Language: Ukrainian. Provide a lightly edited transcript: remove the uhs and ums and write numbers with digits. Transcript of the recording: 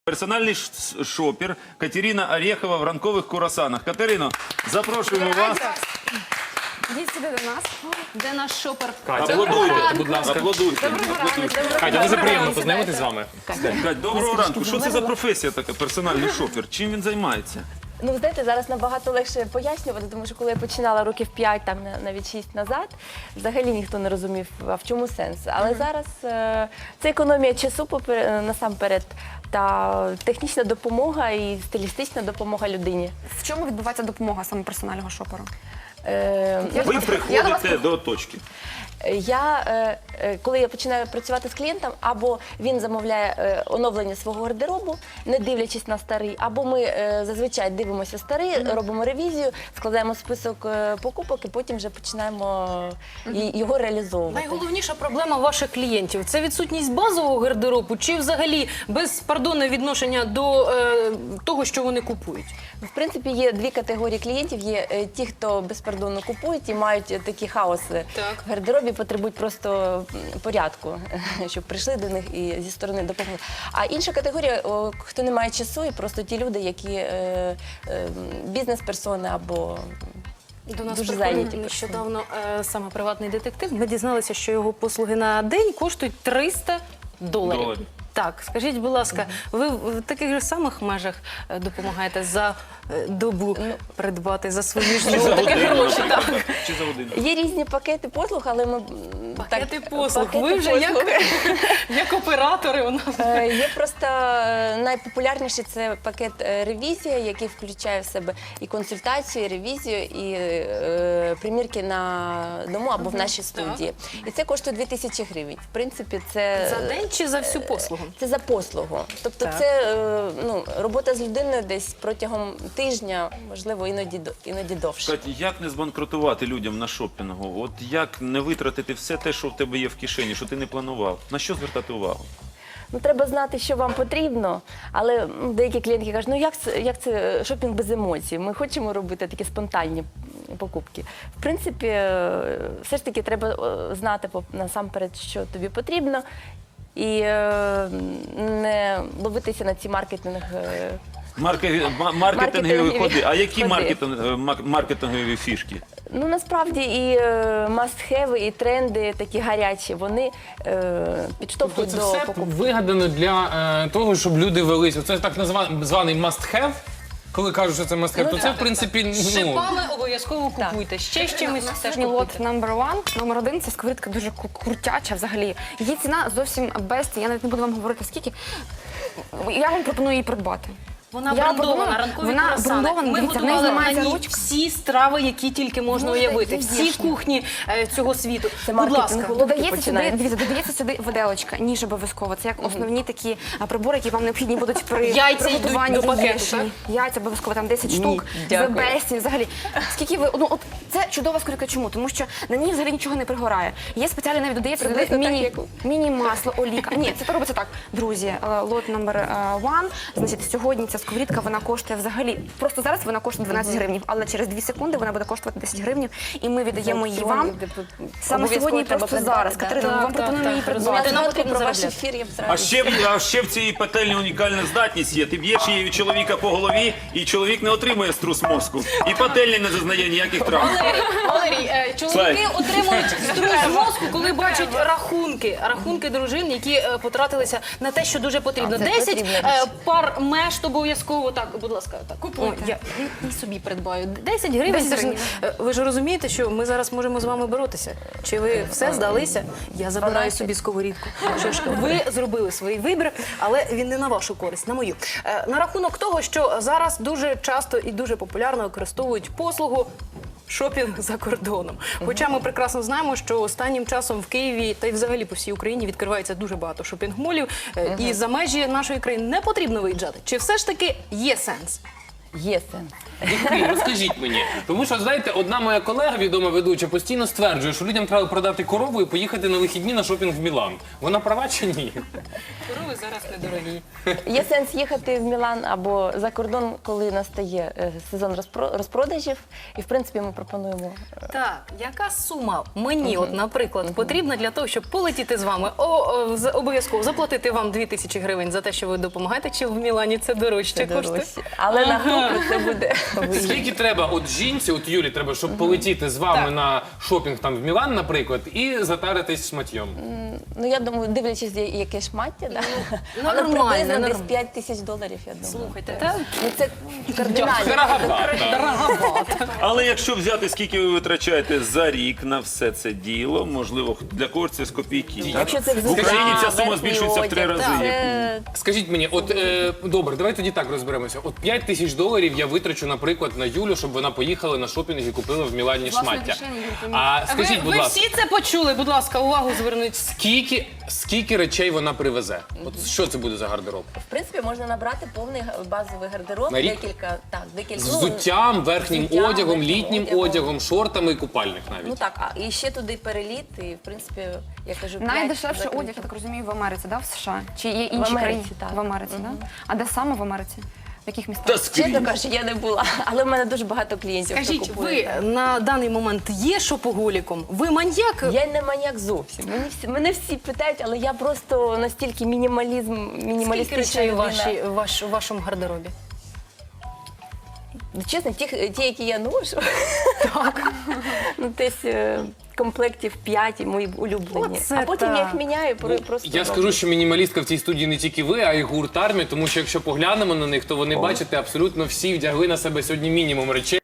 Персональний шопер Катерина Орехова в ранкових курасанах. Катерино, запрошуємо вас. Йдіть сюди до нас. Де наш шопер? Аплодуйте, будь ласка. Аплодуйте. Катя, дуже приємно познайомитись з вами. Кать, доброго ранку. Що це за професія така, персональний шопер? Чим він займається? Ну, знаєте, зараз набагато легше пояснювати, тому що коли я починала років 5, там навіть 6 назад, взагалі ніхто не розумів, а в чому сенс. Але зараз це економія часу насамперед, та технічна допомога і стилістична допомога людині. В чому відбувається допомога саме персонального шоперу? Ви приходите до точки. Коли я починаю працювати з клієнтом, або він замовляє оновлення свого гардеробу, не дивлячись на старий, або ми зазвичай дивимося старий, робимо ревізію, складаємо список покупок і потім вже починаємо його реалізовувати. Найголовніша проблема ваших клієнтів – це відсутність базового гардеробу чи взагалі безпардонне відношення до того, що вони купують? В принципі, є дві категорії клієнтів. Є ті, хто безпардонно купують і мають такі хаоси в гардеробі, потребують просто порядку, щоб прийшли до них і зі сторони допомогли. А інша категорія, хто не має часу, і просто ті люди, які бізнес-персони або До нас дуже приходив зайняті нещодавно саме приватний детектив. Ми дізналися, що його послуги на день коштують $300. Так, скажіть, будь ласка, ви в таких же самих межах допомагаєте за добу придбати за свої ж такі гроші? Так. Чи за годину? Є різні пакети послуг, але ми... Пакети послуг. Ви вже як оператори у нас. Є просто найпопулярніший – це пакет ревізія, який включає в себе і консультацію, і ревізію, і примірки на дому або в нашій студії. І це коштує 2000 гривень. В принципі, це... За день чи за всю послугу? Це за послугу. Тобто це робота з людиною десь протягом тижня, можливо, іноді довше. Катя, як не збанкрутувати людям на шопінгу? От як не витратити все те, що в тебе є в кишені, що ти не планував? На що звертати увагу? Ну, треба знати, що вам потрібно, але деякі клієнтки кажуть, ну як це шопінг без емоцій? Ми хочемо робити такі спонтанні покупки. В принципі, все ж таки треба знати насамперед, що тобі потрібно, і не ловитися на ці Маркетингові ходи. А які ходи. маркетингові фішки? Ну, насправді і must-have, і тренди такі гарячі, вони підштовхують Це до все покупки. вигадано для того, щоб люди велися. Це так званий must-have. Коли кажуть, що це must-have, то це, в принципі, Шипами обов'язково купуйте. Ще з чимось теж Сьогодні лот купуйте. номер 1. Це сковорідка дуже крутяча взагалі. Її ціна зовсім без, я навіть не буду вам говорити скільки. Я вам пропоную її придбати. Вона Я брендована, пропоную- ранкові вона круасани. брендована, Ми дивіться, в неї готували знімається на ній ручка. всі страви, які тільки можна уявити. Всі яєчня. кухні цього світу. Це Будь маркетинг ласка. головки Додається сюди, починається. дивіться, додається сюди виделочка, ніж обов'язково. Це як основні такі прибори, які вам необхідні будуть при Яйця йдуть приготуванні до пакету, яєчні. так? Яйця обов'язково, там 10 штук, дякую. бесті, взагалі. Скільки ви, от це чудова сковорідка, чому? Тому що на ній взагалі нічого не пригорає. Є спеціально навіть додається сюди Приблизно міні-масло, олійка. Ні, це робиться так. Друзі, лот номер 1, значить, сьогодні ця сковорідка, вона коштує взагалі, просто зараз вона коштує 12 гривень, але через 2 секунди вона буде коштувати 10 гривень, і ми віддаємо її вам. Саме сьогодні, просто зараз. Катерина, ми вам пропонуємо її придбати. Нам потрібно Про ваш заробляти. ефір я б А зразу. ще в цій пательні унікальна здатність є. Ти б'єш її чоловіка по голові, і чоловік не отримує струс мозку. І пательня не зазнає ніяких травм. Валерій, чоловіки отримують струс мозку, коли бачать рахунки дружин, які потратилися на те, що дуже потрібно. Це 10 потрібно. пар мешт обов'язково. Так, будь ласка, так. Ой, я і собі придбаю. 10 гривень. 10 це ж, гривень. ви ж розумієте, що ми зараз можемо з вами боротися. Чи ви все здалися? Я забираю собі сковорідку. Що ж, ви зробили свій вибір, але він не на вашу користь, на мою. На рахунок того, що зараз дуже часто і дуже популярно використовують послугу шопінг за кордоном. Хоча ми прекрасно знаємо, що останнім часом в Києві та й взагалі по всій Україні відкривається дуже багато шопінг-молів, і за межі нашої країни не потрібно виїжджати. Чи все ж таки є сенс? Є сенс. Який? Розкажіть мені. Тому що, знаєте, одна моя колега, відома ведуча, постійно стверджує, що людям треба продати корову і поїхати на вихідні на шопінг в Мілан. Вона права чи ні? Корови зараз недорогі. Є сенс їхати в Мілан або за кордон, коли настає сезон розпродажів. І, в принципі, ми пропонуємо. Так, яка сума мені, от, наприклад, потрібна для того, щоб полетіти з вами? Обов'язково заплатити вам 2000 гривень за те, що ви допомагаєте, чи в Мілані це дорожче коштує? дорожчі. Але на групу це буде. Скільки треба от жінці, от Юлі, треба, щоб полетіти з вами Так. на шопінг там в Мілан, наприклад, і затаритись шматьйом? Ну, я думаю, дивлячись, яке шмаття, да? Але нормально, приблизно десь нормально. 5000 доларів, я думаю. Слухайте, та Ну, це кардинально. Дороговато. Але якщо взяти, скільки ви витрачаєте за рік на все це діло, можливо, для когось це з копійки. так? Якщо це В Україні ця сума верхній збільшується в 3 одяг, рази. це Скажіть мені, от добре, давай тоді так розберемося. От 5000 доларів я витрачу, наприклад, на Юлю, щоб вона поїхала на шопінг і купила в Мілані Власне шмаття. рішення, Юль, ти А скажіть, будь ви ласка, всі це почули, будь ласка, увагу зверніть. скільки речей вона привезе? От що це буде за гардероб? В принципі, можна набрати повний базовий гардероб, На рік? декілька, З взуттям, верхнім взуттям, одягом, верхнім літнім одягом. одягом, шортами і купальник Ну навіть. так, і ще туди переліт, і в принципі, я кажу, Найдешевший 5 одяг, я так розумію, в Америці, да? В США? Чи є інші Америці, країни? так. В Америці, да? А де саме в Америці? В яких містах? Та скрізь. Чесно кажучи, я не була, але в мене дуже багато клієнтів. хто Скажіть, купує. ви на даний момент є шопоголіком? Ви маньяк? Я не маньяк зовсім. Мене всі питають, але я просто настільки Скільки мінімалістична речей людина. у вашому гардеробі? Чесно, ті, які я ношу, ну десь комплектів 5 мої улюблені. Оце А потім я їх так. міняю просто. Я скажу, що мінімалістка в цій студії не тільки ви, а й гурт армії, тому що якщо поглянемо на них, то вони, бачите, абсолютно всі вдягли на себе сьогодні мінімум речей.